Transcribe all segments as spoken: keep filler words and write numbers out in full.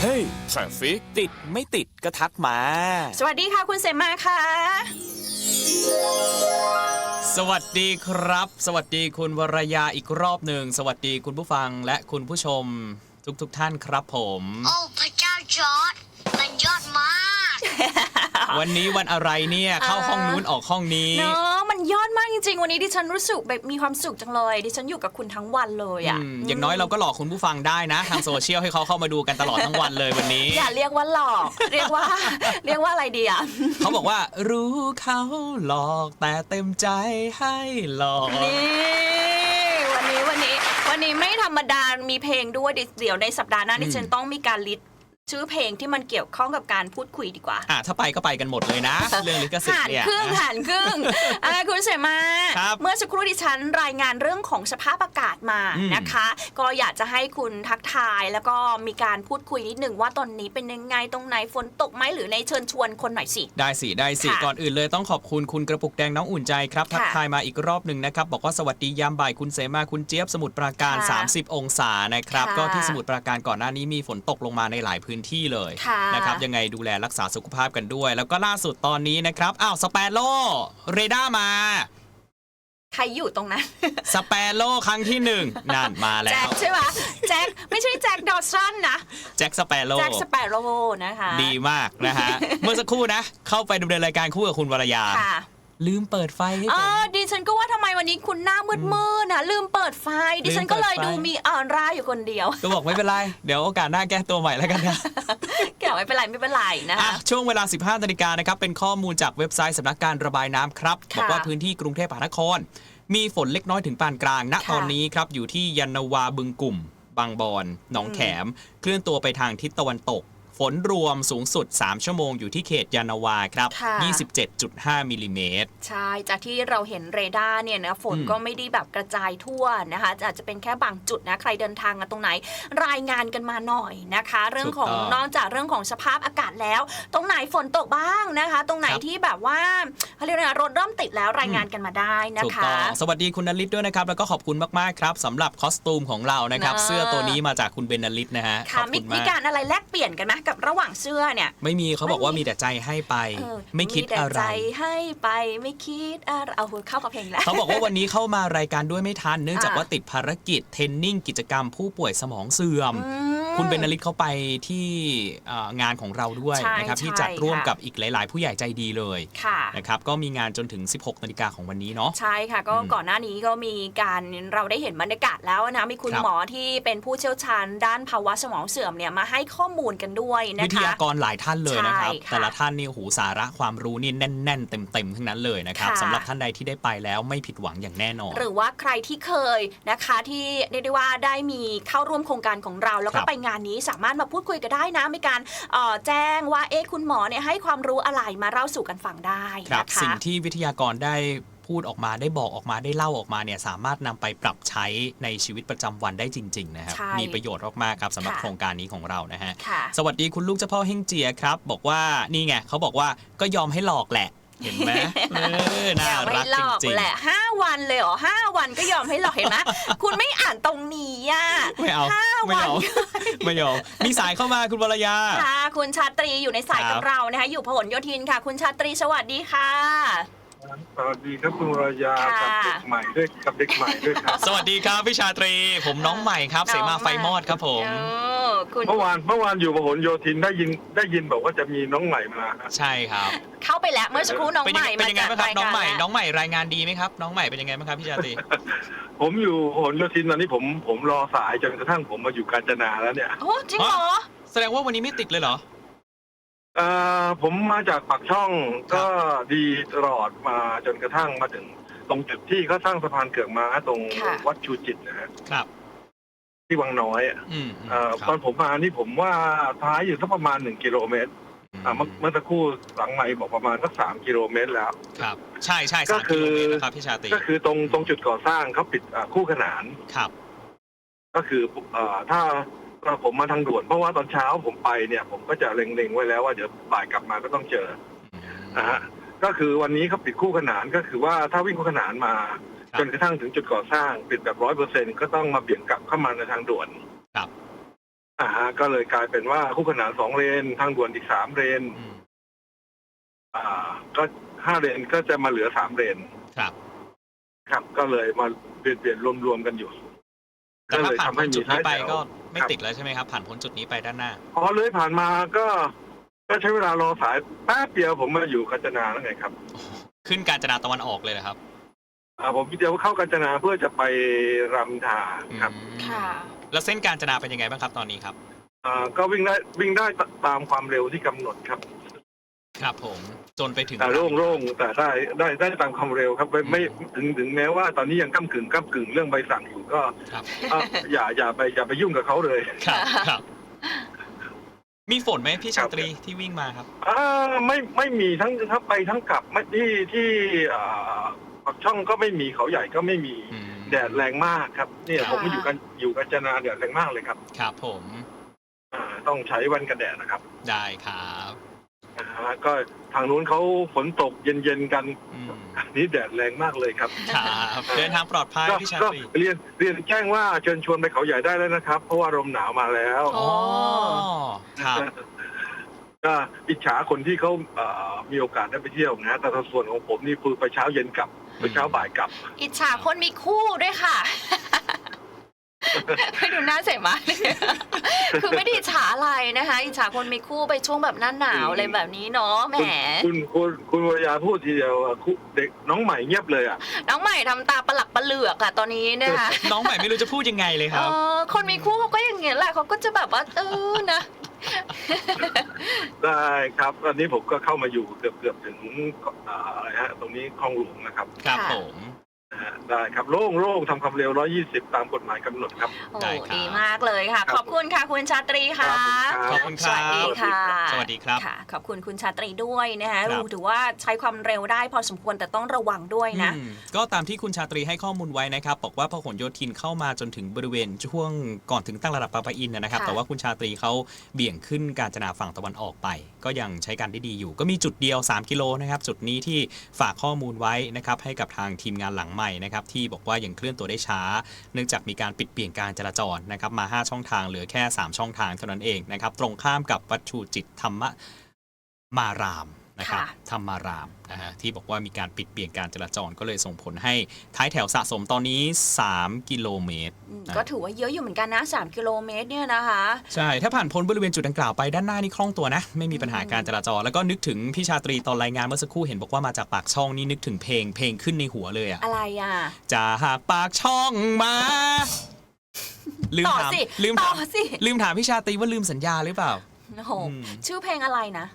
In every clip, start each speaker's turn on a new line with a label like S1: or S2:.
S1: ฮ้ยทราฟิกติดไม่ติดก็ทักมา
S2: สวัสดีค่ะคุณเสมาค่ะ
S3: สวัสดีครับสวัสดีคุณวรยาอีกรอบหนึ่งสวัสดีคุณผู้ฟังและคุณผู้ชมทุกๆ ท่านครับผม
S4: โอ้พระเจ้าจอร์จมันยอดมาก
S3: วันนี้วันอะไรเนี่ยเข้าห้องนู้นออกห้องนี้
S2: เนาะมันยอดมากจริงๆวันนี้ดิฉันรู้สึกแบบมีความสุขจังเลยดิฉันอยู่กับคุณทั้งวันเลยอ่ะ
S3: อ, อย่างน้อยเราก็หลอกคุณผู้ฟังได้นะทางโซเชียลให้เขาเข้ามาดูกันตลอดทั้งวันเลยวันนี้
S2: อย่าเรียกว่าหลอกเรียกว่าเรียกว่าอะไรดีอ่ะ
S3: เขาบอกว่ารู้เขาหลอกแต่เต็มใจให้หลอก
S2: นี่วันนี้วันนี้วันนี้ไม่ธรรมดามีเพลงด้วยเดี๋ยวในสัปดาห์หน้าดิฉันต้องมีการลิสต์ชื่อเพลงที่มันเกี่ยวข้องกับการพูดคุยดีกว่า
S3: อ่ะถ้าไปก็ไปกันหมดเลยนะ เรื่องลิขสิทธิ์เนี่ย
S2: หันครึ่งหันครึ่งอ่ะคุณเสมาเมื่อสักครู่ดิฉันรายงานเรื่องของสภาพอากาศมานะคะก็อยากจะให้คุณทักทายแล้วก็มีการพูดคุยนิดหนึ่งว่าตอนนี้เป็นยังไงตรงไหนฝนตกไหมหรือในเชิญชวนคนหน่อยสิ
S3: ได้สิได้สิก่อนอื่นเลยต้องขอบคุณคุณกระปุกแดงน้องอุ่นใจครับทักทายมาอีกรอบหนึ่งนะครับบอกว่าสวัสดียามบ่ายคุณเสมาคุณเจี๊ยบสมุทรปราการสามสิบองศานะครับก็ที่สมุทรปราการก่อนหน้านี้มีฝนตกลงมาในหลายพื้นที่เลยนะครับยังไงดูแลรักษาสุขภาพกันด้วยแล้วก็ล่าสุดตอนนี้นะครับอ้าวสเปโร่เรดาร์มา
S2: ใครอยู่ตรงนั้น
S3: สเปโร่ครั้งที่หนึ่งนั่นมาแล้ว
S2: แจ็คใช่ไหมแจ็คไม่ใช่แจ็คดอสันนะ
S3: แจ็คสเปโร่
S2: แจ็คสเปโร่นะคะ
S3: ดีมากนะฮะเมื่อสักครู่นะเข้าไปดำเนินรายการคู่กับคุณวรยาลืมเปิดไฟให้ผม
S2: ดิฉันก็ว่าทำไมวันนี้คุณหน้ามืดๆนะลืมเปิดไฟดิฉันก็เลยดูมีออร่าอยู่คนเดียว
S3: ก็บอกไม่เป็นไรเดี๋ยวโอกาสหน้าแก้ตัวใหม่แล้วกันนะ
S2: แก้ไม่เป็นไรไม่เป็นไรนะคะ
S3: ช่วงเวลา สิบห้านาฬิกานะครับเป็นข้อมูลจากเว็บไซต์สำนักการระบายน้ำครับบอกว่าพื้นที่กรุงเทพมหานครมีฝนเล็กน้อยถึงปานกลางณตอนนี้ครับอยู่ที่ยานนาวาบึงกุ่มบางบอนหนองแขมเคลื่อนตัวไปทางทิศตะวันตกฝนรวมสูงสุดสามชั่วโมงอยู่ที่เขตยานนาวาครับ ยี่สิบเจ็ดจุดห้า มิลลิเมตร
S2: ใช่จากที่เราเห็นเรดาร์เนี่ยนะฝนก็ไม่ได้แบบกระจายทั่วนะคะอาจจะเป็นแค่บางจุดนะใครเดินทางกันตรงไหนรายงานกันมาหน่อยนะคะเรื่องของนอกจากเรื่องของสภาพอากาศแล้วตรงไหนฝนตกบ้างนะคะตรงไหนที่แบบว่าเขาเรียกว่ารถเริ่มติดแล้วรายงานกันมาได้นะคะ
S3: สวัสดีคุณนฤทธิ์ด้วยนะครับแล้วก็ขอบคุณมากๆครับสำหรับคอสตูมของเรานะครับเสื้อตัวนี้มาจากคุณเบนนฤทธิ์นะฮะ
S2: ขอบคุณมากมีการอะไรแลกเปลี่ยนกันไหมกับระหว่างเสื้อเนี่ย
S3: ไม่มีเขาบอกว่ามีแต่ใจให้ไปไม่คิดอะไร
S2: มีแต่ใจให้ไปไม่คิดอะไรเอาเข้ากับเพลงแล้ว
S3: เขาบอกว่าวันนี้เข้ามารายการด้วยไม่ทันเนื่องจากว่าติดภารกิจเทรนนิ่งกิจกรรมผู้ป่วยสมองเสื่อมคุณเบนนฤทธิ์เขาไปที่งานของเราด้วยนะครับที่จัดร่วมกับอีกหลายๆผู้ใหญ่ใจดีเลยนะครับก็มีงานจนถึง สิบหกนาฬิกาของวันนี้เนาะ
S2: ใช่ค่ะก็ก่อนหน้านี้ก็มีการเราได้เห็นบรรยากาศแล้วนะมีคุณหมอที่เป็นผู้เชี่ยวชาญด้านภาวะสมองเสื่อมเนี่ยมาให้ข้อมูลกันด้วยนะคะ
S3: วิทยากรหลายท่านเลยนะครับแต่ละท่านนี่หูสาระความรู้นี่แน่นๆเต็มๆทั้งนั้นเลยนะครับสำหรับท่านใดที่ได้ไปแล้วไม่ผิดหวังอย่างแน่นอน
S2: หรือว่าใครที่เคยนะคะที่เรียกได้ว่าได้มีเข้าร่วมโครงการของเราแล้วก็ไปงานนี้สามารถมาพูดคุยกันได้นะมีการแจ้งว่าเอ๊ะคุณหมอเนี่ยให้ความรู้อะไรมาเล่าสู่กันฟังได้นะคะ
S3: สิ่งที่วิทยากรได้พูดออกมาได้บอกออกมาได้เล่าออกมาเนี่ยสามารถนำไปปรับใช้ในชีวิตประจำวันได้จริงๆนะครับมีประโยชน์มากๆครับสำหรับโครงการนี้ของเรานะฮะสวัสดีคุณลูกเจ้าพ่อเฮงเจียครับบอกว่านี่ไงเขาบอกว่าก็ยอมให้หลอกแหละเห็นไหมเออน่ารักจริงๆ
S2: แหละห้าวันเลยเหรอห้าวันก็ยอมให้หลอกเห็นไหมคุณไม่อ่านตรงนี้อ่ะ
S3: ไม่เอาไม่เอาไม่เอามีสายเข้ามาคุณวรยา
S2: ค่ะคุณชาตรีอยู่ในสายกับเรานะคะอยู่พหลโยธินค่ะคุณชาตรีสวัสดีค่ะ
S5: สวัสดีครับคุณวรยากับเด็กใหม่ด้วยกับเด็กใหม่ด้วยครับ
S3: สวัสดีครับพี่ชาตรีผมน้องใหม่ครับเสมาไฟมอดครับผม
S5: เมื่อวานเมื่อวานอยู่พหลโยธินได้ยินได้ยินบอกว่าจะมีน้องใหม่มา
S3: ใช่ครับ
S2: เข้าไปแล้วเมื่อสักครู่น้องใหม่
S3: เป็นยังไงบ้างครับน้องใหม่น้องใหม่รายงานดีไหมครับน้องใหม่เป็นยังไงบ้างครับพี่ชาตรี
S5: ผมอยู่พหลโยธินตอนนี้ผมผมรอสายจนกระทั่งผมมาอยู่กาญจนาแล้วเนี่ย
S2: โอ้จริงเหรอ
S3: แสดงว่าวันนี้ไม่ติดเลยเหรอ
S5: เอ่อผมมาจากปากช่องก็ดีตลอดมาจนกระทั่งมาถึงตรงจุดที่เขาสร้างสะพานเกือกม้าตรงวัดชูจิตนะครับที่วังน้อยอ่ะตอนผมมานี่ผมว่าท้ายอยู่สักประมาณหนึ่งกิโลเมตรอ่าเมื่อสักครู่หลังไมค์บอกประมาณสักสามกิโลเมตรแล้ว
S3: ครับใช่ใช่
S5: ก็คือ
S3: ครับพี่ชาตรี
S5: ก็คือตรงตรงจุดก่อสร้างเขาปิดคู่ขนาน
S3: ครับ
S5: ก็คือถ้าผมมาทางด่วนเพราะว่าตอนเช้าผมไปเนี่ยผมก็จะเล็งๆไว้แล้วว่าเดี๋ยวบ่ายกลับมาก็ต้องเจอนะฮะก็คือวันนี้เขาปิดคู่ขนานก็คือว่าถ้าวิ่งคู่ขนานมาจนกระทั่งถึงจุดก่อสร้างปิดแบบร้อยเปอร์เซ็นต์ก็ต้องมาเบี่ยงกลับเข้ามาในทางด่วน
S3: ครับ
S5: อ่าฮะก็เลยกลายเป็นว่าคู่ขนานสองเลนทางด่วนอีกสามเลนอ่าก็ห้าเลนก็จะมาเหลือสามเลน
S3: ครับ
S5: ครับก็เลยมาเปลี่ยนเปลี่ยนรวมๆกันอยู่
S3: แต่ถ้าผ่านพ้นจุดนี้ไปก็ไม่ติดแล้วใช่ไหมครับผ่านพ้นจุดนี้ไปด้านหน้า
S5: พอเลยผ่านมาก็ก็ใช้เวลารอสายแป๊บเดียวผมมาอยู่กาญจนาแล้วไงครับ
S3: ขึ้นกาญจนาตะวันออกเลยนะครับ
S5: อ่าผมเดี๋ยวเข้ากาญจนาเพื่อจะไปรามอินทราครับ
S2: ค่ะ
S3: แล้วเส้นกาญจนาเป็นยังไงบ้างครับตอนนี้ครับ
S5: อ่าก็วิ่งได้วิ่งได้ตามความเร็วที่กำหนดครับ
S3: ครับผมจนไปถึง
S5: แต่โล่งๆแต่ได้ได้ได้ตามความเร็วครับไม่ไม่ถึงถึงแม้ว่าตอนนี้ยังก้ำกึ่งก้ำกึ่งเรื่องใบสั่งอยู่ก็อย่าอย่าไปอย่าไปยุ่งกับเขาเลย
S3: ครับครับมีฝนไหมพี่ชาตรีที่วิ่งมาครับ
S5: อ่าไม่ไม่มีทั้งทั้งไปทั้งกลับไม่ที่ที่อ่าปักช่องก็ไม่มีเขาใหญ่ก็ไม่มีแดดแรงมากครับเนี่ยผมมาอยู่กันอยู่กาญจนาแดดแรงมากเลยครับ
S3: ครับผม
S5: อ่าต้องใช้แว่นกันแดดนะครับ
S3: ได้ครับ
S5: ก็ทางนู้นเขาฝนตกเย็นๆกันนี่แดดแรงมากเลยครับ
S3: ครับเดินทางปลอดภัยพี่ชาตรี
S5: เรียนเรียนแจ้งว่าเชิญชวนไปเขาใหญ่ได้แล้วนะครับเพราะว่าลมหนาวมาแล้ว
S3: อ๋อครับ
S5: ก็อิจฉาคนที่เขามีโอกาสได้ไปเที่ยวนะแต่ส่วนของผมนี่คือไปเช้าเย็นกลับไปเช้าบ่ายกลับ
S2: อิจฉาคนมีคู่ด้วยค่ะไม่ดูหน้าเสมาคือไม่ได้อิจฉาอะไรนะคะอิจฉาคนมีคู่ไปช่วงแบบหน้าหนาวอะไรแบบนี้เนาะแหม
S5: คุณคุณคุณวรยาพูดทีเดียวเด็กน้องใหม่เงียบเลยอ่ะ
S2: น้องใหม่ทำตาปลักปะเหลือกอะตอนนี้นะคะ
S3: น้องใหม่ไม่รู้จะพูดยังไงเลยครับ
S2: คนมีคู่เขาก็อย่างเงี้ยแหละเขาก็จะแบบว่าเออนะ
S5: ได้ครับตอนนี้ผมก็เข้ามาอยู่เกือบเกือบถึงอะไรฮะตรงนี้คลองหลวงนะครับ
S3: ครับผม
S5: ได้ครับโล่งโล่งทำความเร็วหนึ่งร้อยยี่สิบตามกฎหมายกำหนดครับ
S2: โอ้ดีมากเลยค่ะขอบคุณค่ะคุณชาตรีค่ะ
S3: ขอบคุณครับ
S2: สวัสดีค่ะ
S3: สวัสดีครับ
S2: ค่ะขอบคุณคุณชาตรีด้วยนะคะถือว่าใช้ความเร็วได้พอสมควรแต่ต้องระวังด้วยนะ
S3: ก็ตามที่คุณชาตรีให้ข้อมูลไว้นะครับบอกว่าพหลโยธินเข้ามาจนถึงบริเวณช่วงก่อนถึงตั้งระดับปะปะอินนะครับแต่ว่าคุณชาตรีเขาเบี่ยงขึ้นกาญจนาฝั่งตะวันออกไปก็ยังใช้การได้ดีอยู่ก็มีจุดเดียวสามกิโลนะครับจุดนี้ที่ฝากข้อมูลไว้นะครับให้กับทางทีมงานหลังใหม่นะครับที่บอกว่ายังเคลื่อนตัวได้ช้าเนื่องจากมีการปิดเปลี่ยนการจราจรนะครับมาห้าช่องทางเหลือแค่สามช่องทางเท่านั้นเองนะครับตรงข้ามกับวัดชูจิตธรรมมารามนะครับธรรมารามนะฮะที่บอกว่ามีการปิดเปลี่ยนการจราจรก็เลยส่งผลให้ท้ายแถวสะสมตอนนี้สามกิโลเมตร
S2: ก็ถือว่าเยอะอยู่เหมือนกันนะสามกิโลเมตรเนี่ยนะคะ
S3: ใช่ถ้าผ่านพ้นบริเวณจุดดังกล่าวไปด้านหน้านี่คล่องตัวนะไม่มีปัญหาการจราจรแล้วก็นึกถึงพี่ชาตรีตอนรายงานเมื่อสักครู่เห็นบอกว่ามาจากปากช่องนี่นึกถึงเพลงเพลงขึ้นในหัวเลยอะ
S2: อะไรอะ
S3: จะหากปากช่องมาลืมถามลืมถามลืมถามพี่ชาตรีว่าลืมสัญญาหรือเปล่า
S2: โอ้โหชื่อเพลงอะไรนะ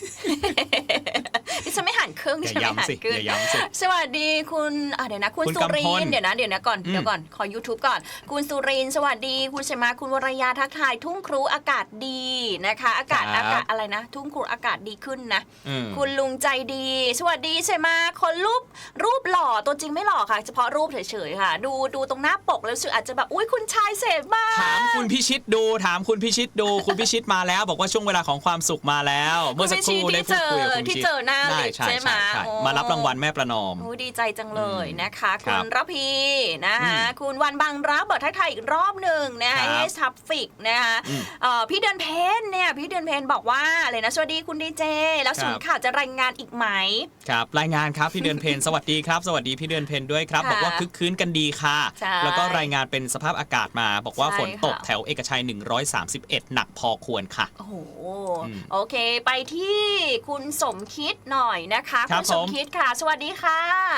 S2: ดิฉันไม่หันเครื่องดิฉันไม่หันเครื่องสวัสดีคุณเดี๋ยวนะคุณสุรินเดี๋ยวนะเดี๋ยวนะก่อนเดี๋ยวก่อนขอ YouTube ก่อนคุณสุรินสวัสดีคุณเชมาคุณวรยาทักทายทุ่งครูอากาศดีนะคะอากาศอากาศอะไรนะทุ่งครูอากาศดีขึ้นนะคุณลุงใจดีสวัสดีเชมาคนรูปรูปหล่อตัวจริงไม่หล่อค่ะเฉพาะรูปเฉยๆค่ะดูดูตรงหน้าปกแล้วรู้สึกอาจจะแบบอุ้ยคุณชายเสพมาก
S3: ถามคุณพิชิตดูถามคุณพิชิตดูคุณพิชิตมาแล้วบอกว่าช่วงเวลาของความสุขมาแล้วเมื่อสักครู่ได้พูดคุยกับคุณ
S2: ที่เจอหน้าลิฟต์ใช่ไหม
S3: มารับรางวัลแม่ประนอม
S2: ดีใจจังเลยนะคะคุณระพีนะคะคุณวันบางรักเบิดทักทายอีกรอบหนึ่งนะคะเอสทัฟฟิกนะคะพี่เดือนเพนเนี่ยพี่เดือนเพนบอกว่าอะไรนะสวัสดีคุณดีเจแล้วศูนย์ข่าวจะรายงานอีกไหม
S3: ครับรายงานครับพี่เดือนเพนสวัสดีครับสวัสดีพี่เดือนเพนด้วยครับบอกว่าคึกคืนกันดีค่ะแล้วก็รายงานเป็นสภาพอากาศมาบอกว่าฝนตกแถวเอกชัยหนึ่งร้อยสามสิบเอ็ดหนักพอควรค่ะ
S2: โอ้โหโอเคไปที่คุณสมคิดหน่อยนะคะคุณสมคิดค่ะสวัสดีค่ะ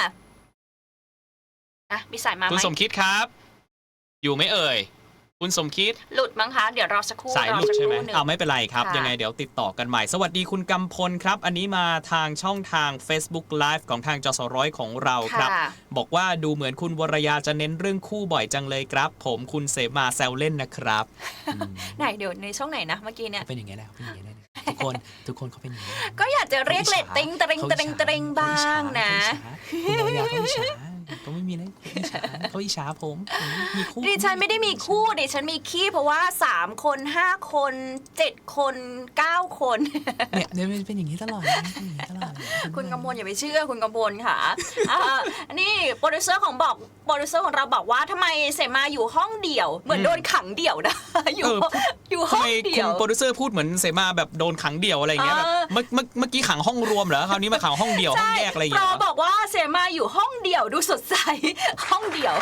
S2: อ่ะมีสายมาไหม
S3: คุณสมคิดครับอยู่ไหมเอ่ยคุณสมคิด
S2: หลุดมั้งคะเดี๋ยวรอสักครู่
S3: สายหลุดใช่ไหมเอาไม่เป็นไรครับยังไงเดี๋ยวติดต่อกันใหม่สวัสดีคุณกำพลครับอันนี้มาทางช่องทาง Facebook Live ของทางจสร้อยของเราครับบอกว่าดูเหมือนคุณวรยาจะเน้นเรื่องคู่บ่อยจังเลยครับผมคุณเสมาแซวเล่นนะครับ
S2: ไหนเดี๋ยวในช่องไหนนะเมื่อกี้เนี่ย
S3: เป็นอย่างไงแล้วเป็นอย่างไงแล้วทุกคนทุกคนเขาเป็นอย่างนี้
S2: ก็อยากจะเรียกเรตติ้งตริงตริงตริงบ้างนะ
S3: คุณวรยาเขาอิจฉาก็ไม่มีเลยอิจฉาเขาอิจฉาผมผมมีคู่
S2: ดิฉันไม่ได้มีคู่ดิฉันมีขี้เพราะว่าสามคนห้าคนเจ็ดคนเก้าคน
S3: เนี่ยเดี๋ยวเป็นอย่างนี้ตลอดเป็นอย่างนี้ตลอด
S2: คุณกำพลอย่าไปเชื่อคุณกำพลค่ะอ่านี่โปรดิวเซอร์ของบอกโปรดิวเซอร์ของเราบอกว่าทำไมเสมาอยู่ห้องเดี่ยวเหมือนโดนขังเดี่ยวนะอยู่อยู่ห้
S3: ทำ
S2: อง
S3: ไม
S2: เดี่
S3: คุ
S2: ย
S3: ณ
S2: ว
S3: โปรดิวเซอร์พูดเหมือนเสมาแบบโดนขังเดี่ยวอะไรอย่างเงี้ยแบบ
S2: เออ
S3: เมื่อเมื่อเมื่อกี้ขังห้องรวมเหรอคราวนี้มาขังห้องเดี่ยวห้องแยกอะไรอย่าง
S2: ใช่
S3: เงี้ย
S2: โปรบอกว่าเสมาอยู่ห้องเดี่ยวดูสดใสห้องเดี่ยว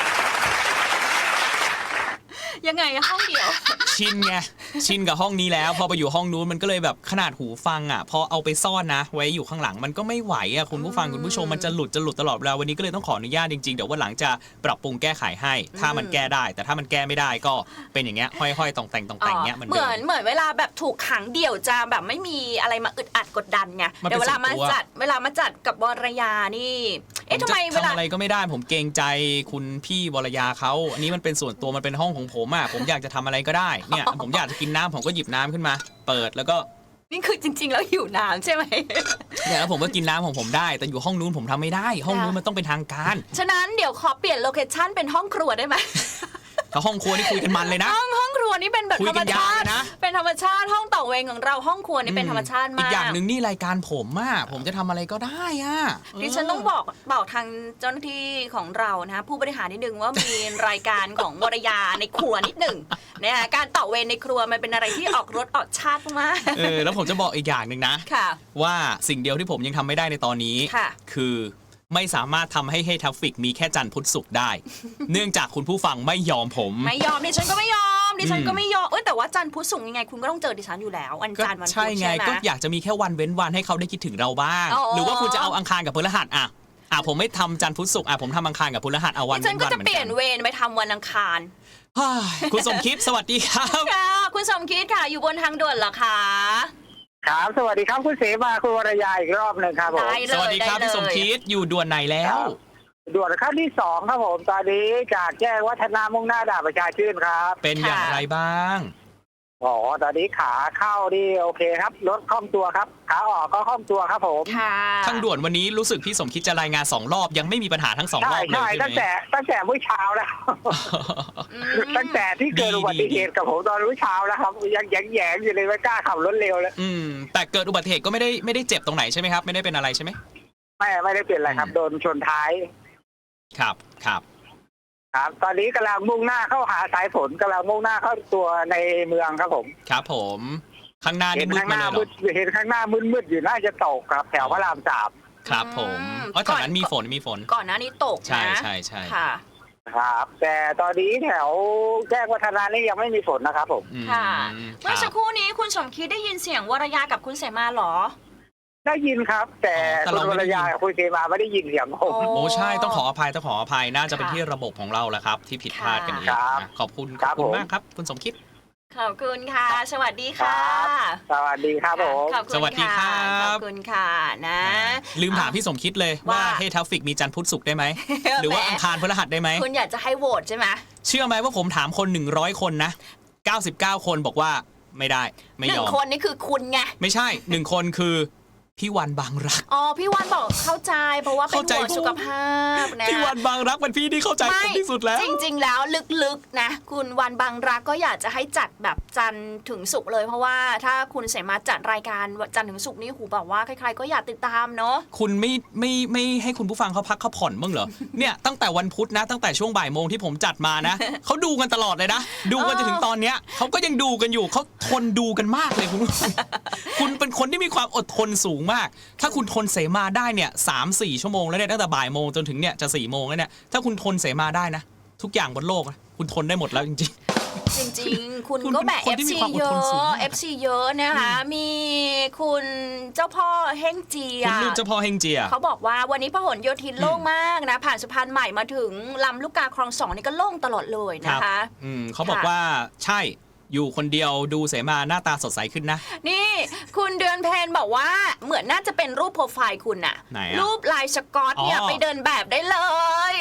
S2: ยังไงอะห้องเดียว
S3: ชินไงชินกับห้องนี้แล้วพอไปอยู่ห้องนู้นมันก็เลยแบบขนาดหูฟังอ่ะพอเอาไปซ่อนนะ ไว้อยู่ข้างหลังมันก็ไม่ไหวอ่ะคุณผู้ฟังคุณผู้ชมมันจะหลุดจะหลุดตลอดเวลาวันนี้ก็เลยต้องขออนุญาตจริงๆเดี๋ยววันหลังจะปรับปรุงแก้ไขให้ถ้ามันแก้ได้ แต่ถ้ามันแก้ไม่ได้ก็เป็นอย่างเงี้ยห้อยๆตองแต่งตองแต่งเงี้ย
S2: เหมือนเหมือนเวลาแบบถูกขังเดี่ยวจะแบบไม่มีอะไรมาอึดอัดกดดันไงเดี๋ยวเวลามาจัดเวลามาจัดกับวรยานี่เอ๊ะทำไมเวลา
S3: ทำอะไรก็ไม่ได้ผมเกรงใจคุณพี่วรยาเขาอันนี้มันเป็นส่วนตัวมันเป็นห้องของผมอ่ะผมอยากจะทำอะไรก็ได้เนี่ยผมอยากจะกินน้ำผมก็หยิบน้ำขึ้นมา เปิดแล้วก็
S2: นี่คือจริงๆแล้วหิวน้ำใช่ไหม
S3: เนี่ยแล้วผมก็กินน้ำของผมได้แต่อยู่ห้องนู้นผมทำไม่ได้ห้องนู้นมันต้องเป็นทางการ
S2: ฉะนั้นเดี๋ยวขอเปลี่ยนโลเคชั่นเป็นห้องครัวได้ไหม
S3: ถ้าห้องครัวนี่คุยกันมันเลยนะ
S2: ห้องห้องครัวนี่เป็นแบบธรรมชาตินะเป็นธรรมชาติห้องต่อเวงของเราห้องครัวนี่เป็นธรรมชาติมาก
S3: อีกอย่างหนึ่งนี่รายการผมอะผมจะทำอะไรก็ได้อะ
S2: ดิฉันต้องบอกบอกทางเจ้าหน้าที่ของเรานะผู้บริหารนิดนึงว่ามีรายการของวรยาในครัวนิดหนึ่งเนี่ยการต่อเวรในครัวมันเป็นอะไรที่ออกรสออกชาติมาก
S3: เออแล้วผมจะบอกอีกอย่างหนึ่งนะว่าสิ่งเดียวที่ผมยังทำไม่ได้ในตอนนี้คือไม่สามารถทำให้ให้ทราฟฟิกมีแค่จันทร์พุธศุกร์ได้ เนื่องจากคุณผู้ฟังไม่ยอมผม
S2: ไม่ยอมดิฉันก็ไม่ยอมดิฉันก็ไม่ยอมเอ้ยแต่ว่าจันทร์พุธศุกร์ยังไงคุณก็ต้องเจอดิฉันอยู่แล้ววันจันทร์วันพุธใช่
S3: ไงก็อยากจะมีแค่วันเว้นวันให้เขาได้คิดถึงเราบ้างหรือว่าคุณจะเอาอังคารกับพฤหัสอ่ะอ่ะผมไม่ทำจันทร์พุธศุกร์อ่ะผมทำอังคารกับพฤหัสเอาวัน
S2: ดิฉันก็จะเปลี่ยนเวรไปทำวันอังคาร
S3: คุณสมคิดสวัสดีครับ
S2: ค่ะคุณสมคิดค่ะอยู่บนทางด่วนเหรอคะ
S6: ครับสวัสดีครับคุณเสมาคุณวรยาอีกรอบหนึ่งครับผม
S3: สวัสดีครับพี่สมคิดอยู่ด่วนไหนแล้ว
S6: ด่วนขั้นที่สองครับผมตอนนี้จากแจ้งวัฒนามุ่งหน้าด่านประชาชื่นครับ
S3: เป็นอย่างไรบ้าง
S6: อ๋อตอนนี้ขาเข้านี่โอเคครับรถคล่องตัวครับขาออกก็คล่องตัวครับผม
S3: ทางด่วนวันนี้รู้สึกพี่สมคิดจะรายงานสองรอบยังไม่มีปัญหาทั้งสองรอบเลยใช่ไหม
S6: ตั้งแต่ตั้งแต่เมื่อเช้าแล้วตั้งแต่ที่เกิดอุบัติเหตุกับผมตอนเมื่อเช้าแล้วครับยังแยงๆอยู่เลยไม่กล้าขับรถเร็วเลย
S3: อืมแต่เกิดอุบัติเหตุก็ไม่ได้ไม่ได้เจ็บตรงไหนใช่ไหมครับไม่ได้เป็นอะไรใช่ไหม
S6: ไม่ไม่ได้เป็นอะไรครับโดนชนท้าย
S3: ครับครับ
S6: ครับตอนนี้กำลังมุ่งหน้าเข้าหาสายฝนกำลังมุ่งหน้าเข้าตัวในเมืองครับผม
S3: ครับผมข้างหน้านี่มืดมาเลยเหรอ
S6: เห็นข้างหน้ามืดๆอยู่น่าจะตกครับแถวพระรามสาม
S3: ครับผมเพราะแถวนั้นมีฝนมีฝน
S2: ก่อนหน้านี้ตกนะ
S3: ใช่ใช่ใช่
S2: ค่ะ
S6: ครับแต่ตอนนี้แถวแจ้งวัฒนะนี่ยังไม่มีฝนนะครับผม
S2: ค่ะเมื่อสักครู่นี้คุณสมคิดได้ยินเสียงวรยากับคุณเสมาหรอ
S6: ได้ยินครับแต่คุณวรยากับคุณเสมาไม่ได้ยินเสียงผม
S3: โอ้ใช่ต้องขออภัยต้องขออภัยน่าจะเป็นที่ระบบของเราแหละครับที่ผิดพลาดกันเองขอบคุณขอบคุณมากครับคุณสมคิด
S2: ขอบคุณค่ะสวัสดีค่ะ
S6: สวัสดีครับผม
S3: สวัสดีครับ
S2: ขอบคุณค่ะนะ
S3: ลืมถามพี่สมคิดเลยว่าให้ทราฟฟิกมีจันทร์พุธศุกร์ได้ไหมหรือว่าอังคารพฤหัสได้ไหม
S2: คุณอยากจะให้โหวตใช่ไหม
S3: เชื่อไหมว่าผมถามคนหนึ่งร้อยคนนะเก้าสิบเก้าคนบอกว่าไม่ได้ไม่ยอมห
S2: นึ่งคนนี่คือคุณไง
S3: ไม่ใช่หนึ่งคนคือพี่วันบางรัก
S2: อ๋อพี่วันบอกเข้าใจเพราะว่าเป็นห่วงสุขภาพนะ
S3: พี่วันบางรักเป็นพี่ที่เข้าใจผมที่สุดแล้ว
S2: จริงๆแล้วลึกๆนะคุณวันบางรักก็อยากจะให้จัดแบบจันทร์ถึงศุกร์เลยเพราะว่าถ้าคุณเสมาจัดรายการจันทร์ถึงศุกร์นี่หูบอกว่าใครๆก็อยากติดตามเนาะ
S3: คุณไม่ไม่ไม่ให้คุณผู้ฟังเขาพักเขาผ่อนบ้างเหรอเนี่ยตั้งแต่วันพุธนะตั้งแต่ช่วงบ่ายโมงที่ผมจัดมานะเขาดูกันตลอดเลยนะดูกันจนถึงตอนเนี้ยเขาก็ยังดูกันอยู่เขาทนดูกันมากเลยคุณคุณเป็นคนที่มีความอดทนสูงมากถ้าคุณทนเสมาได้เนี่ย สามถึงสี่ ชั่วโมงแล้วเนี่ยตั้งแต่บ่ายโมงจนถึงเนี่ยจะสี่โมงแล้วเนี่ยถ้าคุณทนเสมาได้นะทุกอย่างบนโลกคุณทนได้หมดแล้วจริง
S2: ๆจริงๆคุณก็แบบ เอฟ ซี เยอะ เอฟ ซี เยอะนะคะมีคุณเจ้าพ่อเฮงเจีย
S3: คุณลูกเจ้าพ่อเฮงเจีย
S2: เขาบอกว่าวันนี้พหลโยธินโล่งมากนะผ่านสะพานใหม่มาถึงลำลูกกาคลองสองนี่ก็โล่งตลอดเลยนะคะ
S3: อืมเขาบอกว่าใช่อยู่คนเดียวดูเสมาหน้าตาสดใสขึ้นนะ
S2: นี่คุณเดือนเพนบอกว่าเหมือนน่าจะเป็นรูปโปรไฟล์คุณน่ะรูปลายสกอตเนี่ยไปเดินแบบได้เลย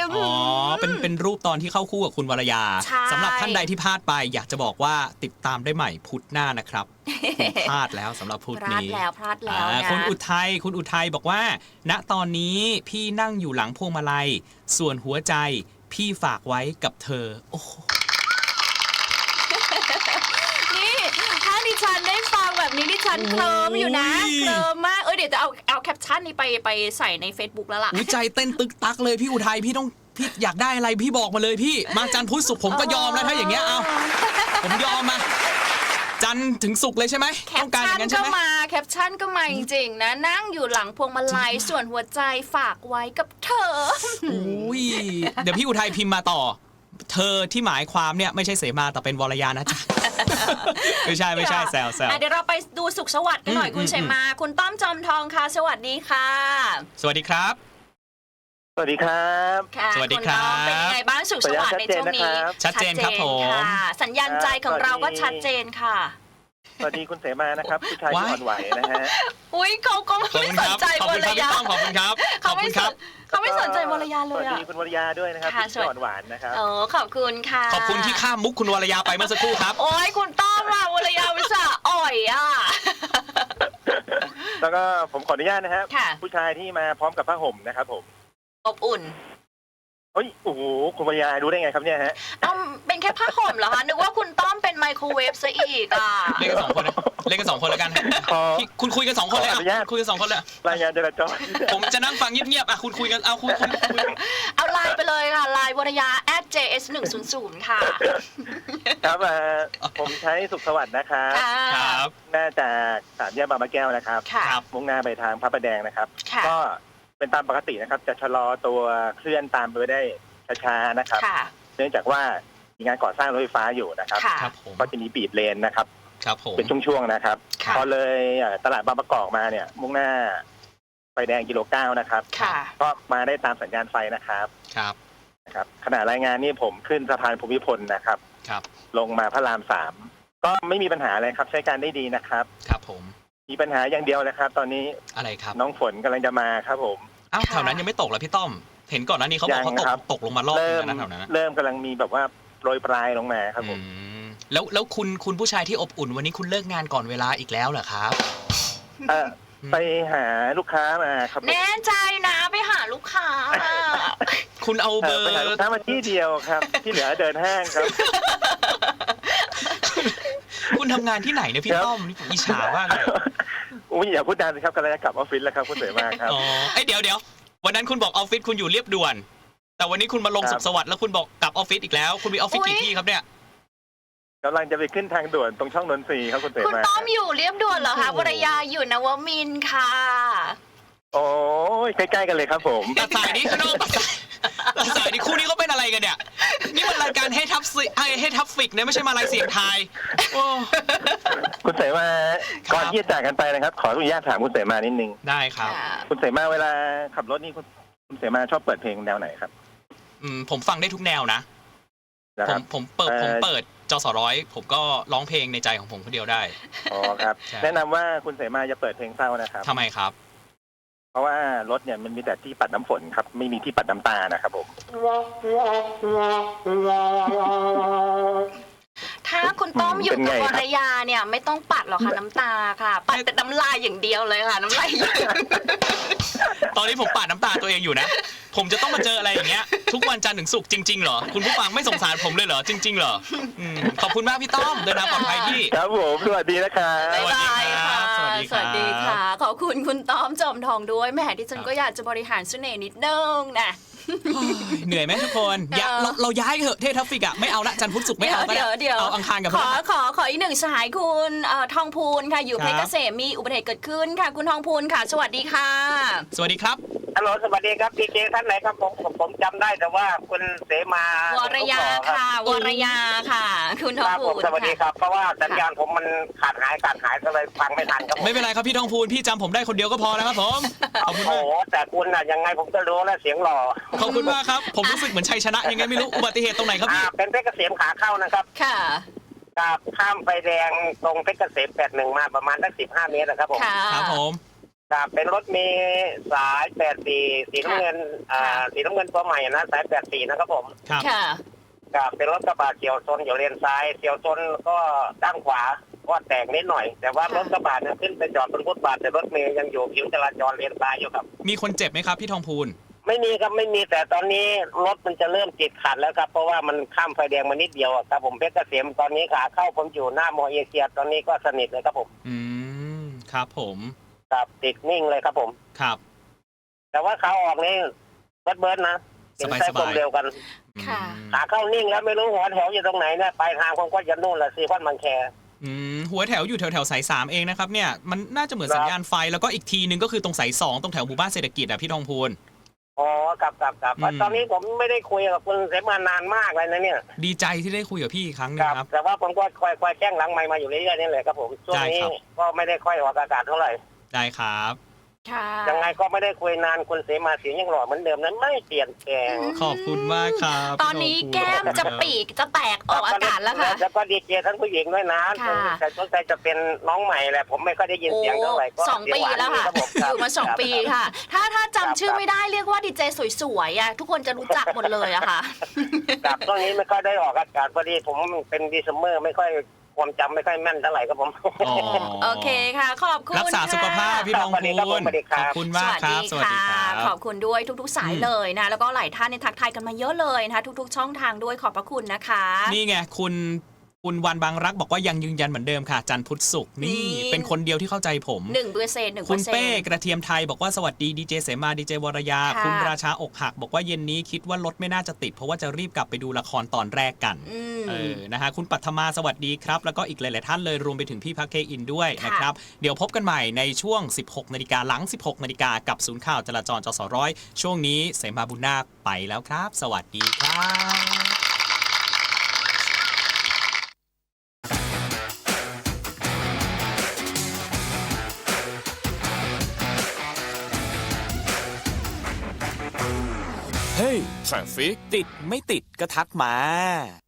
S3: อ๋อเป็นเป็นรูปตอนที่เข้าคู่กับคุณวรยาสำหรับท่านใดที่พลาดไปอยากจะบอกว่าติดตามได้ใหม่พุธหน้านะครับพลาดแล้วสำหรับพุธนี้
S2: พลาดแล้วพลาดแล้วนะ
S3: คุณอุทัยคุณอุทัยบอกว่า ณตอนนี้พี่นั่งอยู่หลังพวงมาลัยส่วนหัวใจพี่ฝากไว้กับเธอโอ้โห
S2: นี่ถ้าดิฉันได้ฟังแบบนี้ดิฉันเคลิ้มอยู่นะเคลิ้มมากเออเดี๋ยวจะเอาเอาแคปชั่นนี้ไปไปใส่ใน Facebook แล้วล่ะ
S3: อุ๊ยใจเต้นตึกตักเลยพี่อุทัยพี่ต้องพี่อยากได้อะไรพี่บอกมาเลยพี่มาจันทร์พุธศุกร์ผมก็ยอมแล้วถ้าอย่างเงี้ยเอาผมยอมมาจันทร์ถึงศุกร์เลยใช่ไหม
S2: แค
S3: ต้
S2: ป
S3: องการอ
S2: ชั่น
S3: ย่างนั้น
S2: ก็
S3: ใช่ไหม
S2: มาแคปชั่นก็มาจริงๆนะนั่งอยู่หลังพวงมาลัยส่วนหัวใจฝากไว้กับเธอ
S3: อุ้ยเดี๋ยวพี่อุทัยพิมพ์มาต่อ เธอที่หมายความเนี่ยไม่ใช่เสมาแต่เป็นวรยานะจ๊ะ ไม่ใช่ไม่ใช่แซวแซว
S2: อ่ะเดี๋ยวเราไปดูสุขสวัสดิ์กันหน่อย
S3: อืม
S2: คุณ
S3: อืม
S2: เฉมาคุณต้อมจอมทองค่ะสวัสดีค่ะ
S3: สวัสดีครับ
S6: สวัสดีครับ
S2: ค่ะ
S3: สวัสดีครับ
S2: ณต้อมเป็นยังไงบ้างสุขสวัสดิ์ในช่วงนี้
S3: ชัดเจนครับผม
S2: ค่ะสัญญาณใจของเราก็ชัดเจนค่ะ
S6: สวัสดีคุณเสมานะครับผู้ชายที่อ่อนไหวนะฮะ
S2: อุ้ยเขาก็
S3: ขอบ
S2: ไม่
S3: คุณ
S2: ส
S3: คน รับ
S2: ใจ
S3: ขอบ
S2: ว
S3: คุณ
S2: ร
S3: ครับพี่
S2: ยา
S3: ต้อมขอบคุณครับข
S2: เขา
S3: อบ
S2: ไม่
S3: คุณ
S2: ส
S3: ครับ
S2: นเขาไม่สนใจวรยาเล
S6: สวั
S2: ย
S6: ส
S2: อ่ะ
S6: ดีคุณวรยาด้วยนะครับ
S2: ค่ะ
S6: ที่อ่อนหวานนะครับ
S2: เออขอบคุณค่ะ
S3: ขอบคุณที่ข้ามมุกคุณวรยาไปเมื่อสักครู่ครับ
S2: โอ้ยคุณต้อมอ่ะวรยาวิสาอ่อยอ่ะ
S6: แล้วก็ผมขออนุญาตนะครับ
S2: ค่ะ
S6: ผู้ชายที่มาพร้อมกับผ้าห่มนะครับผม
S2: อบอุ่น
S6: เฮ้ยโอ้โหคุณวรยารู้ได้ไงครับเนี่ยฮะ
S2: ต้อมเป็นแค่ผ้าห่มเหรอคะนึกว่าคุณต้อมเป็นไมโครเวฟซะอีกอ่ะ
S3: เล่นกันสองคนนะเล่นกันสองคนแล้วกัน
S6: ขอ
S3: พี่คุณคุยกันสองคนเลย
S6: ขออนุญา
S3: อ่ะ
S6: ต
S3: คุยกันสองคนเลย
S6: รายงานจราจร
S3: ผมจะนั่งฟังเงียบๆอ่ะคุณคุยกันเอาคุยคุยคุย
S2: เอาไลน์ไปเลยค่ะไลน์วรยา at เจ เอส หนึ่งศูนย์ศูนย์ค่ะ
S6: ครับเอ่อผมใช้สุขสวัสดิ์นะครับ
S2: ค่ะ
S3: ครับ
S6: น่าจะสามแยกบางมะแก้วนะครับ
S2: ค่ะ
S3: ครับ
S6: มุ่งหน้าไปทางพระประแดงนะครับ
S2: ค่ะ
S6: ก็เป็นตามปกตินะครับ จะชะลอตัวเคลื่อนตามไปได้ช้าๆนะครับ
S2: ค่ะ
S6: เนื่องจากว่ามีงานก่อสร้างรถไฟฟ้าอยู่นะครับ
S2: ค่ะ
S3: ครับผม
S6: ก็จะมีบีบเลนนะครับ
S3: ครับผม
S6: เป็นช่วงๆนะครับ
S2: ค่ะ
S6: พอเลยเอ่อตลาดบางประกอบมาเนี่ย มุ่งหน้าไฟแดงกิโลเก้านะครับ
S2: ค่ะ
S6: ก็มาได้ตามสัญญาณไฟนะครับ
S3: ครับ
S6: นะครับขณะรายงานนี่ผมขึ้นสะพานภูมิพลนะครับ
S3: ครับ
S6: ลงมาพระรามสามก็ไม่มีปัญหาอะไรครับ ใช้การได้ดีนะครับ
S3: ครับผม
S6: มีปัญหาอย่างเดียวนะครับ ตอนนี้
S3: อะไรครับ
S6: น้องฝนกำลังจะมาครับผม
S3: อ้าว
S2: ค่ะ
S3: แถวนั้นยังไม่ตกเหรอพี่ต้อม เห็นก่อนหน้านี้เขาบอกเขาต
S6: ยัง
S3: ก
S6: ครับ
S3: ตกลงมารอบนึ
S6: เริ่
S3: ง
S6: ม
S3: นะแถวนั้นนะ
S6: เริ่มกำลังมีแบบว่าโปรยปลายลงมาครับผม
S3: อืมแล้วแล้วคุณคุณผู้ชายที่อบอุ่นวันนี้คุณเลิกงานก่อนเวลาอีกแล้วเหรอครับ
S6: เออไปหาลูกค้ามาครับผม
S2: แน่ใจนะไปหาลูกค้า
S3: คุณเอาเบ
S6: เอ
S3: อ
S6: อ
S3: ร์
S6: ไปหาลูกค้ามาที่เดียวครับ ที่เหลือเดินห้างครับ
S3: คุณทำงานที่ไหนเนี่ยพี่
S6: ครับ
S3: ต้อมนี่ผมอิจฉามากเลย
S6: อุ้ยอย่าพูดดังสิครับกำลังจะกลับออฟฟิศแล้วครับคุณเสมาครับ
S3: อ๋อไอยเดี๋ยวเดี๋ยววันนั้นคุณบอกออฟฟิศคุณอยู่เรียบด่วน แต่วันนี้คุณมาลง
S6: ครับ
S3: สุขสวัสดิ์แล้วคุณบอกกลับออฟฟิศอีกแล้ว คุณมีออฟฟิศกี่ที่ครับเนี่ย
S6: กำลังจะไปขึ้นทางด่วนตรงช่องนนทรีย์ครับคุณเส
S2: คุณ
S6: มา
S2: ต้อมอยู่เรียบด่วนเหรอคะวรยาอยู่นวมินทร์ค่ะ
S6: โอ้ยใกล้ๆกันเลยครับผม
S3: ตัดสายนี้คุณต้องตัดสายตัดสายนี้คู่นี้เขาเป็นอะไรกันเนี่ย นี่มันรายการให้ทับสิให้ให้ทับฟิกเนี่ยไม่ใช่มาลายเสียงไทายโอ้
S6: คุณเสมา
S3: ครับ
S6: ก่อนที่จะจากกันไปนะครับ ขออนุญาตถามคุณเสมานิดนึง
S3: ได้ครับ
S6: คุณเสมาเวลาขับรถนี่คุณคุณเสมาชอบเปิดเพลงแนวไหนครับ
S3: อืมผมฟังได้ทุกแนวนะ
S6: นะ
S3: ผ
S6: ครั
S3: ม
S6: บ
S3: ผมเปิด
S6: เอ่อ
S3: ผมเปิดจสร้อยผมก็ร้องเพลงในใจของผมคนเดียวได้
S6: อ๋อครับ
S3: ใช่
S6: แนะนำว่าคุณเสมาจะเปิดเพลงเศร้านะครับ
S3: ทำไมครับ
S6: เพราะว่ารถเนี่ยมันมีแต่ที่ปัดน้ำฝนครับ ไม่มีที่ปัดน้ำตานะครับผม
S2: ถ้าคุณต้อมอยู่กับวรยาเนี่ยไม่ต้องปัดหรอกค่ะน้ำตาค่ะ ปัดแต่น้ำลายอย่างเดียวเลยค่ะ น้ำลายหยด
S3: ตอนนี้ผมปาดน้ำตาตัวเองอยู่นะ ผมจะต้องมาเจออะไรอย่างเงี้ยทุกวันจันทร์ถึงศุกร์จริงๆเหรอ คุณผู้ฟังไม่สงสารผมเลยเหรอ จริงๆเหรออืมขอบคุณมากพี่ต้อมเดินทางปลอดภัยพี่
S6: ครับผมสวัสดีนะครับ
S2: บ๊ายบายค่ะ
S3: สวัสดีครับ
S2: สวัสดีค่ะ ขอบคุณคุณต้อมจอมทองด้วยแหมที่ฉันก็อยากจะบริหารเสน่ห์นิดนึงนะ
S3: เหนื่อยไหมทุกคนอย่า
S2: เออ
S3: เราเราย้ายเถอะเททัฟฟิกอะไม่เอาละจันทร์พุธศุกร์ไม่เอาก็
S2: เดี๋
S3: ได้
S2: ยวเดี๋ยว
S3: เอาอังคารกับ
S2: ข
S3: พฤ
S2: อ
S3: หัส
S2: ขอขออีกหนึ่งสายคุณเอ่อทองพูนค่ะอยู่
S3: ครับ
S2: เพชรเกษมมีอุบัติเหตุเกิดขึ้นค่ะ คุณทองพูนค่ะ สวัสดีค่ะ
S3: สวัสดีครับ
S7: ฮัลโหลสวัสดีครับพีเจท่านไหนครับผมผมผมจำได้แต่ว่าคุณเสมาว
S2: รยาค่ะ วรยาค่ะ คุณท
S7: ค
S2: อง
S7: รับ
S2: พู
S7: ผม
S2: น
S7: สวัสดี
S2: ค่ะ
S7: ครับ เพราะว่าสัญญาณผมมันขาดหายขาดหายก็เลยฟังไม่ทันครับผม
S3: ไม่เป็นไรครับพี่ทองพูนพี่จำผมได้คนเดียวก็พอแล้วครับผมขอบคุณ
S7: โอ้
S3: มาก
S7: โหแต่คุณน่ะยังไงผมก็รู้แล้วเสียงหล่อ
S3: ขอบคุณมากครับผมรู้สึกเหมือนชัยชนะยังไงไม่รู้อุบัติเหตุตรงไหนครับ
S7: อ่า
S3: พี่
S7: เป็นเพชรเกษมขาเข้านะครับ
S2: ค่ะ
S7: กับข้ามไฟแดงตรงเพชรเกษมแปดหนึ่งมาประมาณสักสิบห้าเมตรนะครับผม
S2: ค่ะ
S3: ครับผม
S7: กับเป็นรถเมล์สายแปดสี่สีน้ำเงินอ่าสีน้ำเงินตัวใหม่นะสายแปดสี่นะครับผม
S3: ครับ
S2: ค่ะ
S7: กับเป็นรถกระบะเฉียวชนอยู่เลนซ้ายเฉียวชนก็ด้านขวาก็แตกนิดหน่อย แต่ว่ารถกระบะเนี่ยขึ้นไปจอดบนฟุตบาทแต่รถเมล์ยังอยู่ผิวจราจรเลนซ้ายอยู่ครับ
S3: มีคนเจ็บไหมครับพี่ทองพูน
S7: ไม่มีครับไม่มีแต่ตอนนี้รถมันจะเริ่มติดขัดแล้วครับเพราะว่ามันข้ามไฟแดงมานิดเดียวอะครับผมเพชรเกษมตอนนี้ขาเข้าผมอยู่หน้ามอเอเชียตอนนี้ก็สนิทเลยครับผม
S3: อืมครับผม
S7: ครับติดนิ่งเลยครับผม
S3: ครับ
S7: แต่ว่าขาออกนี่เบิร์ดเบิร์ดนะเป็นไส้ความเร็วกัน
S2: ค่ะ
S7: ขาเข้านิ่งแล้วไม่รู้หัวแถวอยู่ตรงไหนเนี่ยปลายทางผมก็จะนู่นแหละซีคอนบางแค
S3: อืมหัวแถวอยู่แถวแถวสายสามเองนะครับเนี่ยมันน่าจะเหมือนสัญญาณไฟแล้วก็อีกทีนึงก็คือตรงสายสองตรงแถวหมู่บ้านเศรษฐกิจอ่ะพี่ทองพูน
S7: อ๋อครับครับครับ
S3: อืม
S7: ตอนนี้ผมไม่ได้คุยกับคุณเสมานานมากเลยนะเนี่ย
S3: ดีใจที่ได้คุยกับพี่อีกครั้งหนึ
S7: ค
S3: ง
S7: รับ
S3: ครับ
S7: แต่ว่าผมก็คอยคอยแจ้งหลังไมค์มาอยู่เรื่อยๆนี่แหละครับผมช่วงนี้
S3: ได้ครับ
S7: ก็ไม่ได้ค่อยออกอากาศเท่าไหร่
S3: ได้ครับ
S2: ค่ะ
S7: ยังไงก็ไม่ได้คุยนานคุณเสมาเสียงยังหล่อเหมือนเดิมนั้นไม่เปลี่ยนแปลง
S3: ขอบคุณมากครับ
S2: ตอนนี้แก้มจะปีกจะแตกออกอากาศแล้วค่ะ
S7: แล้วก็ดีเจทั้งผู้หญิงด้วยนะ
S2: ค่ะ
S7: แต่สนใจจะเป็นน้องใหม่แหละผมไม่ค่อยได้ยินเสียงเท่าไหร่ก็
S2: สองปีแล้วค่ะ
S7: เสียงหานดีรับผ
S2: อยู่มาสอง
S7: ครับ
S2: ปีค่ะ ถ้าถ้าจำชื่อไม่ได้เรียกว่าดีเจสวยๆอ่ะทุกคนจะรู้จักหมดเลยอะค่ะ
S7: ครับช่วงนี้ไม่ค่อยได้ออกอากาศพอดีผมเป็นดีซัมเมอร์ไม่ค่อยความจำไม่ค่อยแม่นเท่าไหร่ครับผม
S3: อ๋อ
S2: โอเคค่ะ ขอบคุณ
S3: รักษาสุขภาพพี่ทอง
S7: สวัสดี
S3: พู
S7: ครับผม
S3: น
S7: สวัสดีค
S3: ข
S7: รับ
S3: อบคุณมากครับ สวัสดีครับ
S2: ขอบคุณด้วยทุกๆสายเลยนะ แล้วก็หลายท่านในยทักทายกันมาเยอะเลยนะคะทุกๆช่องทางด้วยขอบพระคุณนะคะ
S3: นี่ไงคุณคุณวันบางรักบอกว่ายังยืนยันเหมือนเดิมค่ะ จันทร์พุธศุกร์นี่
S2: นี่
S3: เป็นคนเดียวที่เข้าใจผม
S2: หนึ่งเปอร์เซ็นต์หนึ่งเป
S3: คุ
S2: อ
S3: ณ
S2: ร์เซ็น
S3: เป้
S2: ต์
S3: กระเทียมไทยบอกว่าสวัสดีดีเจเสมาดีเจวรยา
S2: ค่ะ
S3: คุณราชาอกหัก บอกว่าเย็นนี้คิดว่ารถไม่น่าจะติด เพราะว่าจะรีบกลับไปดูละครตอนแรกกัน
S2: อืม
S3: เออนะฮะคุณปัทมาสวัสดีครับ แล้วก็อีกหลาย ๆ ท่านเลยรวมไปถึงพี่พักเคอินด้วย
S2: ค่ะ
S3: นะครับ เดี๋ยวพบกันใหม่ในช่วง สิบหกนาฬิกาหลัง สิบหกนาฬิกากับศูนย์ข่าวจราจรจสร้อยช่วงนี้เสมาบุญนาคไปแล้วครับ สวัสดีครับ
S1: เฮ้ยทราฟฟิกติดไม่ติดก็ทักมา